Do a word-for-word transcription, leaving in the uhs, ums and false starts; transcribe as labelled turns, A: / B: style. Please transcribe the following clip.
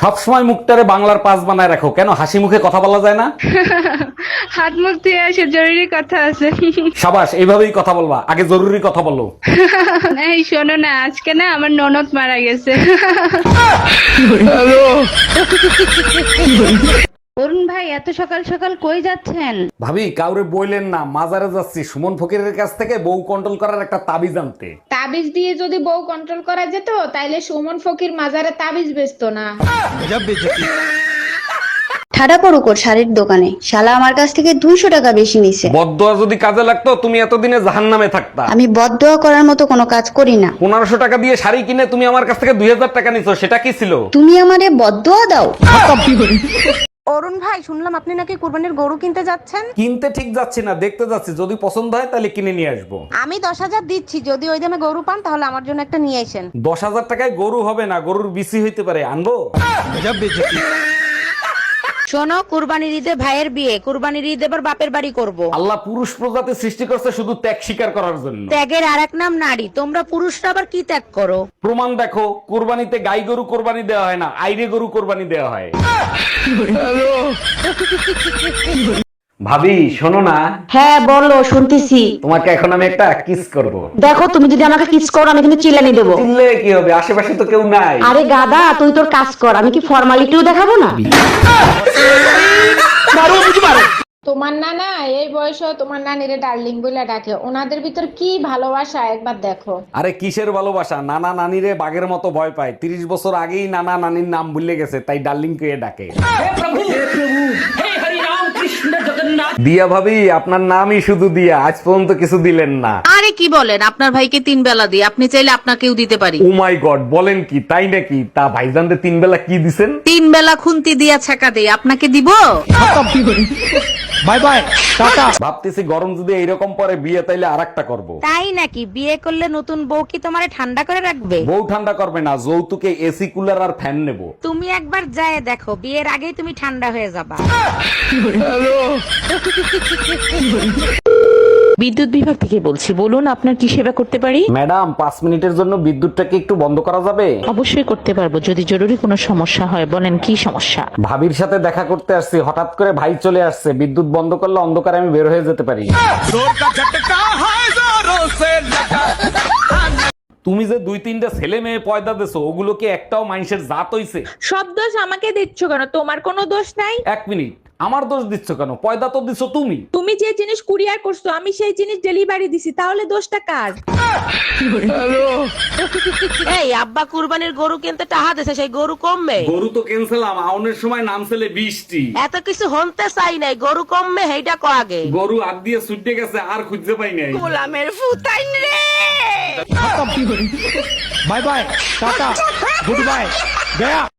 A: সবসময় মুখটারে বাংলার পাস বানায় রাখো, কেন হাসি মুখে কথা বলা যায় না?
B: হাত মুখ ধুয়ে আসে, জরুরি কথা আছে।
A: সাবাস, এইভাবেই কথা বলবা, আগে জরুরি কথা বলো।
B: এই শোনো না, আজকে না আমার ননদ মারা গেছে।
C: অরুণ ভাই, এত সকাল সকাল কই যাচ্ছেন?
A: ভাবি, কাউরে বইলেন না, মাজারে যাচ্ছি সুমন ফকিরের কাছ থেকে বউ কন্ট্রোল করার একটা তাবিজ আনতে।
D: তাবিজ দিয়ে যদি বউ কন্ট্রোল করা যেত তাইলে সুমন ফকির মাজারে তাবিজ বেচতো না।
C: ঠাডা পড়ুক ওর শাড়ির দোকানে, শালা আমার কাছ থেকে দুইশো টাকা বেশি নিছে।
A: বদদোয়া যদি কাজে লাগতো তুমি এতদিনে জাহান্নামে থাকতা।
C: আমি বদদোয়া করার মতো কোনো কাজ করি না।
A: পনেরোশো টাকা দিয়ে শাড়ি কিনে তুমি আমার কাছ থেকে দুই হাজার টাকা নিছো, সেটা কি ছিল?
C: তুমি আমারে বদদোয়া দাও?
E: অরুণ ভাই, শুনলাম আপনি নাকি কুরবানির গরু কিনতে যাচ্ছেন।
A: কিনতে ঠিক যাচ্ছি না, দেখতে যাচ্ছি, যদি পছন্দ হয় তাহলে কিনে নিয়ে আসবো।
E: আমি দশ হাজার দিচ্ছি, যদি ওই দামে গরু পান তাহলে আমার জন্য একটা নিয়ে আসেন।
A: দশ হাজার টাকায় গরু হবে না, গরুর বিসি হইতে পারে, আনবো?
F: শোনো, কুরবানির ঈদে ভাইয়ের বিয়ে, কুরবানির ঈদ এবার বাপের বাড়ি করব।
A: আল্লাহ পুরুষ প্রজাতি সৃষ্টি করছে শুধু ত্যাগ স্বীকার করার জন্য।
F: ত্যাগের আরেক নাম নারী, তোমরা পুরুষরা আবার কি ত্যাগ করো?
A: প্রমাণ দেখো, কুরবানিতে গাই গরু কোরবানি দেওয়া হয় না, আইরে গরু কোরবানি দেওয়া হয়। ভাবি শোনো না।
G: হ্যাঁ বলো, শুনতেছি।
A: তোমাকে এখন আমি একটা কিস করব।
G: দেখো, তুমি যদি আমাকে কিস করো আমি কিন্তু চিল্লানি দেবো।
A: চিল্লে কি হবে, আশেপাশে তো কেউ নাই।
G: আরে গাদা, তুই তোর কাজ কর, আমি কি ফর্মালিটিও দেখাবো না?
D: তোমার নানা এই বয়সে তোমার নানিরে ডার্লিং বলে ডাকে, ওনাদের ভিতর কি ভালোবাসা একবার দেখো।
A: আরে কিসের ভালোবাসা, নানা নানিরে বাঘের মতো ভয় পায়। তিরিশ বছর আগেই নানা নানির নাম ভুলে গেছে, তাই ডার্লিং কে ডাকে। দিয়া ভাবি, আপনার নামই শুধু দিয়া, আজ পর্যন্ত কিছু দিলেন না।
F: আরে কি বলেন, আপনার ভাইকে তিন বেলা দিই, আপনি চাইলে আপনাকেও দিতে পারি।
A: ও মাই গড, বলেন কি, তাই নাকি? তা ভাইজানদের তিন বেলা কি দিছেন?
F: তিন বেলা খুন্তি দিয়া ছাকা দেই, আপনাকে দিব?
A: Bye bye, tata. ভাবতেছি গরম যদি এইরকম পরে বিয়ে, তাইলে আরেকটা করব।
F: তাই নাকি? বিয়ে করলে নতুন বউ কি তোমারে ঠান্ডা করে রাখবে?
A: বউ ঠান্ডা করবে না, যৌতুকে এসি কুলার আর ফ্যান নেব।
F: তুমি একবার যায় দেখো, বিয়ের আগেই তুমি ঠান্ডা হয়ে যাবা।
G: বিদ্যুৎ বিভাগ থেকে বলছি, বলুন আপনার কি সেবা করতে পারি?
A: ম্যাডাম, পাঁচ মিনিটের জন্য বিদ্যুৎটাকে একটু বন্ধ করা যাবে?
G: অবশ্যই করতে পারবো, যদি জরুরি কোনো সমস্যা হয়। বলেন কি সমস্যা?
A: ভাবির সাথে দেখা করতে আসছি, হঠাৎ করে ভাই চলে আসছে, বিদ্যুৎ বন্ধ করলে অন্ধকারে আমি বের হয়ে যেতে পারি। তুমি যে দুই তিনটা ছেলে মেয়ে পয়দা দেছো, ওগুলো কি একটাও মানুষের জাত হইছে?
B: সব দোষ আমাকে দিচ্ছ কেন? তোমার কোনো দোষ নাই।
A: এক মিনিট, আমার দোষ দিচ্ছ কেন? পয়দা তো দিছো তুমি।
B: তুমি যে জিনিস কুরিয়ার করছো আমি সেই জিনিস ডেলিভারি দিছি, তাহলে দোষটা কার?
F: এই আব্বা কুরবানির গরু কিনতে টাহা দিছে, সেই গরু কমবে?
A: গরু তো ক্যান্সেলাম, আউনের সময় নাম ছেলে বৃষ্টি।
F: এত কিছু হনতে চাই নাই, গরু কমবে সেইটা কো আগে।
A: গরু আগ দিয়ে ছুটে গেছে, আর খুঁজতে পাই নাই।
F: গোলামের ফুতাইন রে।
A: Bye bye, tata, goodbye, Gaya.